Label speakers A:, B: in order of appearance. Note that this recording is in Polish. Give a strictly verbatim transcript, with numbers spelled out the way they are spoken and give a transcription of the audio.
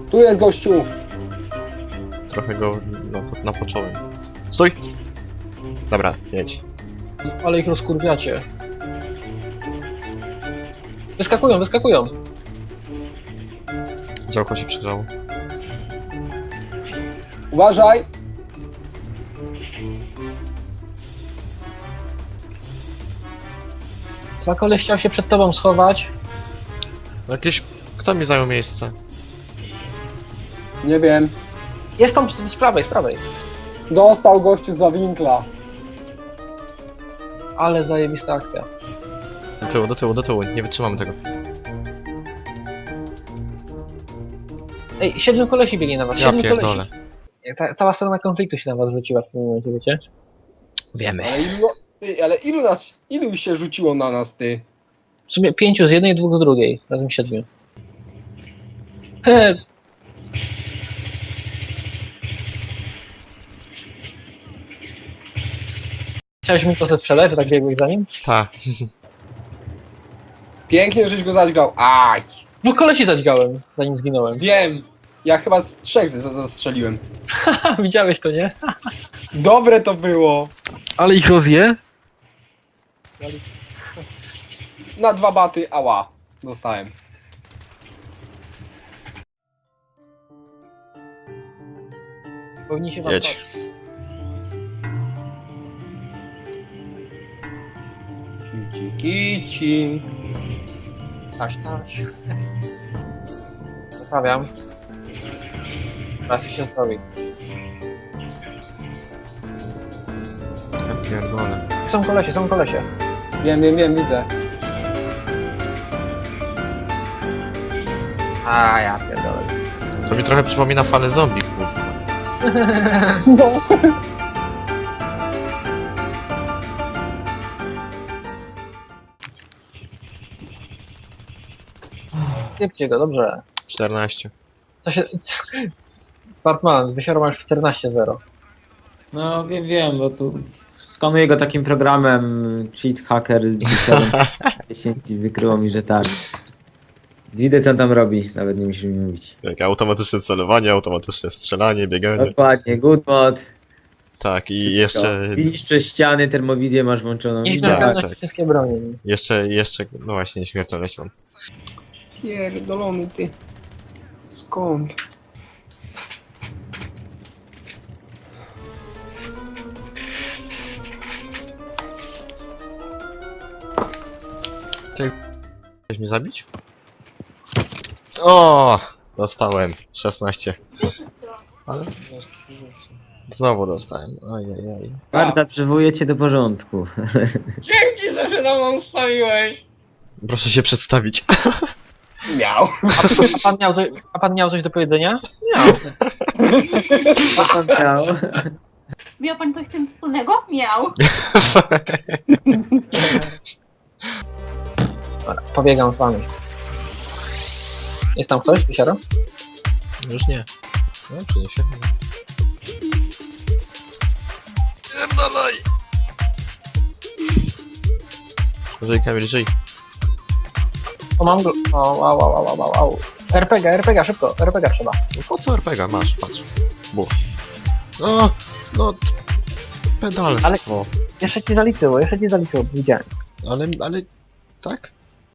A: Tu jest gościu!
B: Trochę go no, napocząłem. Stój! Dobra, jedź.
C: Ale ich rozkurwiacie. Wyskakują, wyskakują.
B: Działko się przygrzało.
A: Uważaj!
C: Dwa koleś chciał się przed tobą schować.
B: Jakiś... Kto mi zajął miejsce?
A: Nie wiem.
C: Jest tam z z prawej, z prawej.
A: Dostał gościu za winkla.
C: Ale zajebista akcja.
B: Do tyłu, do tyłu, do tyłu. Nie wytrzymamy tego.
C: Ej, siedmiu kolesi biegnie na was,
B: Ja
C: siedmiu
B: pierdolę.
C: kolesi. Ta, cała strona konfliktu się na was rzuciła w tym momencie, wiecie? Wiemy.
A: Ale ilu, ty, ale ilu nas, ilu się rzuciło na nas, ty?
C: W sumie pięciu z jednej, dwóch z drugiej. Razem siedmiu. He, Chciałeś mu to sprzedać, że tak biegłeś za nim?
B: Ta.
A: Pięknie, żeś go zadźgał. Aj!
C: Dwóch kolesi zadźgałem, zanim zginąłem.
A: Wiem! Ja chyba z trzech z- zastrzeliłem.
C: Haha, widziałeś to, nie?
A: Dobre to było!
C: Ale ich rozje?
A: Na dwa baty, ała. Dostałem.
C: Powinni się wam
B: Jedź.
C: patrzeć.
A: Kici, kici.
C: Taś, taś. Zostawiam. Teraz się zostawi.
B: Ja pierdolę.
C: Są kolesie, są kolesie.
A: Wiem, wiem, wiem, widzę.
C: A ja pierdolę.
B: To mi trochę przypomina falę zombie, kurwa.
A: No.
C: Sypcie go, dobrze.
B: czternaście.
C: Co się... Bartman, wysiorą już czternaście zero.
D: No wiem, wiem, bo tu skanuję go takim programem cheat hacker dziesięć i wykryło mi, że tak. Widzę co on tam robi, nawet nie musisz mi mówić.
B: Jak automatyczne celowanie, automatyczne strzelanie, bieganie.
D: Dokładnie, good mod.
B: Tak, i
D: Wszystko.
B: jeszcze...
D: Widzisz przez ściany, termowizję masz włączoną.
C: Niech
B: tak,
C: na
D: Widzisz?
C: pewno
B: tak.
C: wszystkie bronie.
B: Jeszcze, jeszcze... No właśnie, nieśmiertelność mam.
A: Pierdolony ty. Skąd?
B: Chcesz mnie zabić? O, dostałem. szesnaście. Ale... Znowu dostałem. Ajajaj.
D: Marta, przywołuję cię do porządku.
A: Dzięki, że się za mną wstawiłeś!
B: Proszę się przedstawić.
A: Miał.
C: A pan miał, coś, a pan miał coś do powiedzenia? Miał.
D: Co pan miał?
E: Miał pan coś z tym wspólnego? Miał.
C: Dobra, pobiegam z wami. Jest tam ktoś, wysiara?
B: Już nie. No, przyniesie. Pierdolaj! Żyj, Kamil, żyj.
C: O, mam go. O, au, au, au, au, au. R P G, R P G, szybko, R P G trzeba.
B: No po co R P G? Masz, patrz. Buch. No, no... t- Pedalstwo.
C: Jeszcze ci zaliczyło, jeszcze ci zaliczyło, widziałem.
B: Ale, ale... Tak?